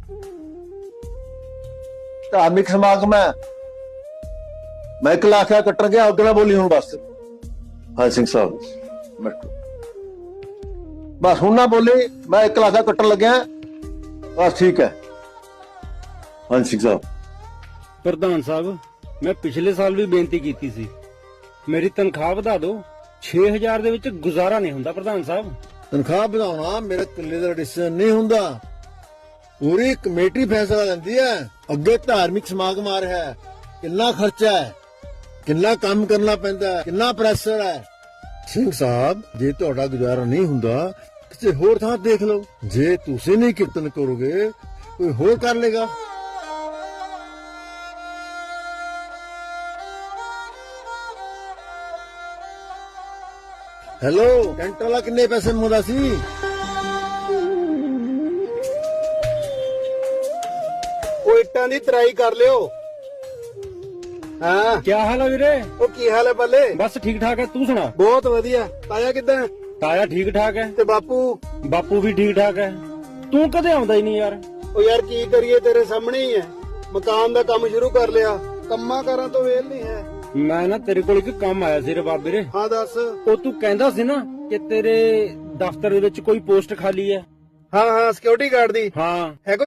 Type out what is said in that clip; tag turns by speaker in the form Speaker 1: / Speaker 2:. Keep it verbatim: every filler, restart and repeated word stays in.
Speaker 1: ਧਾਰਮਿਕ ਸਮਾਗਮ ਹੈ, ਮੈਂ ਇੱਕ ਲਾਖਾ ਕੱਟਣ ਗਿਆ, ਅੱਗੇ ਨਾ ਬੋਲੀ ਹੁਣ ਬਸ। ਹਾਂ ਸਿੰਘ ਸਾਹਿਬ ਬੈਠੋ, ਬਸ ਹੁਣ ਨਾ ਬੋਲੀ, ਮੈਂ ਇੱਕ ਲਾਖਾ ਕੱਟਣ ਲੱਗਿਆ ਬਸ, ਠੀਕ ਹੈ। ਹਾਂ ਸਿੰਘ ਸਾਹਿਬ।
Speaker 2: ਪ੍ਰਧਾਨ ਸਾਹਿਬ, ਮੈਂ ਪਿਛਲੇ ਸਾਲ ਵੀ ਬੇਨਤੀ ਕੀਤੀ ਸੀ, ਮੇਰੀ ਤਨਖਾਹ ਵਧਾ ਦਿਓ। ਛੇ ਹਜ਼ਾਰ ਦੇ ਵਿੱਚ ਗੁਜ਼ਾਰਾ ਨਹੀਂ ਹੁੰਦਾ ਪ੍ਰਧਾਨ ਸਾਹਿਬ।
Speaker 1: ਤਨਖਾਹ ਵਧਾਉਣਾ ਮੇਰੇ ਇਕੱਲੇ ਦਾ ਡਿਸੀਜਨ ਨਹੀਂ ਹੁੰਦਾ, ਪੂਰੀ ਕਮੇਟੀ ਫੈਸਲਾ ਲੈਂਦੀ ਹੈ। ਅੱਗੇ ਧਾਰਮਿਕ ਸਮਾਗਮ ਆ ਰਿਹਾ ਹੈ, ਕਿੰਨਾ ਖਰਚਾ ਹੈ, ਕਿੰਨਾ ਕੰਮ ਕਰਨਾ ਪੈਂਦਾ ਹੈ, ਕਿੰਨਾ ਪ੍ਰੈਸ਼ਰ ਹੈ। ਸਿੰਘ ਸਾਹਿਬ, ਜੇ ਤੁਹਾਡਾ ਗੁਜ਼ਾਰਾ ਨਹੀਂ ਹੁੰਦਾ ਕਿਸੇ ਹੋਰ ਥਾਂ ਦੇਖ ਲਓ। ਜੇ ਤੁਸੀਂ ਨਹੀਂ ਕੀਰਤਨ ਕਰੋਗੇ ਕੋਈ ਹੋਰ ਕਰ ਲੇਗਾ। ਹੈਲੋ, ਟੈਂਟ ਵਾਲਾ ਕਿੰਨੇ ਪੈਸੇ ਮੰਗਦਾ ਸੀ?
Speaker 3: ਉਹ ਇੱਟਾਂ ਦੀ ਤਰਾਈ ਕਰ ਲਿਓ। ਹਾਂ,
Speaker 2: ਕੀ ਹਾਲ ਹੈ ਵੀਰੇ?
Speaker 3: ਉਹ ਕੀ ਹਾਲ ਹੈ ਬੱਲੇ?
Speaker 2: ਬਸ ਠੀਕ ਠਾਕ ਹੈ, ਤੂੰ ਸੁਣਾ?
Speaker 3: ਬਹੁਤ ਵਧੀਆ। ਤਾਇਆ ਕਿੱਦਾਂ?
Speaker 2: ਤਾਇਆ ਠੀਕ ਠਾਕ ਹੈ,
Speaker 3: ਤੇ ਬਾਪੂ?
Speaker 2: ਬਾਪੂ ਵੀ ਠੀਕ ਠਾਕ ਹੈ। ਤੂੰ ਕਦੇ ਆਉਂਦਾ ਹੀ ਨਹੀਂ ਯਾਰ।
Speaker 3: ਉਹ ਯਾਰ ਕੀ ਕਰੀਏ, ਤੇਰੇ ਸਾਹਮਣੇ ਹੀ ਹੈ। ਮਕਾਨ ਦਾ ਕੰਮ ਸ਼ੁਰੂ ਕਰ ਲਿਆ, ਕੰਮਾਂ ਕਾਰਾਂ ਤੋਂ ਵੇਲ ਨਹੀਂ ਹੈ।
Speaker 2: ਮੈਂ ਨਾ ਤੇਰੇ ਕੋਲ ਇੱਕ ਕੰਮ ਆਇਆ ਸੀ ਰਬਾਬ ਵੀਰੇ।
Speaker 3: ਹਾਂ ਦੱਸ।
Speaker 2: ਉਹ ਤੂੰ ਕਹਿੰਦਾ ਸੀ ਨਾ ਕਿ ਤੇਰੇ ਦਫ਼ਤਰ ਦੇ ਵਿੱਚ ਕੋਈ ਪੋਸਟ ਖਾਲੀ ਹੈ।
Speaker 3: ਹਾਂ ਹਾਂ, ਸਿਕਿਉਰਿਟੀ ਗਾਰਡ ਦੀ।
Speaker 2: ਹਾਂ,
Speaker 3: ਹੈ ਕੋਈ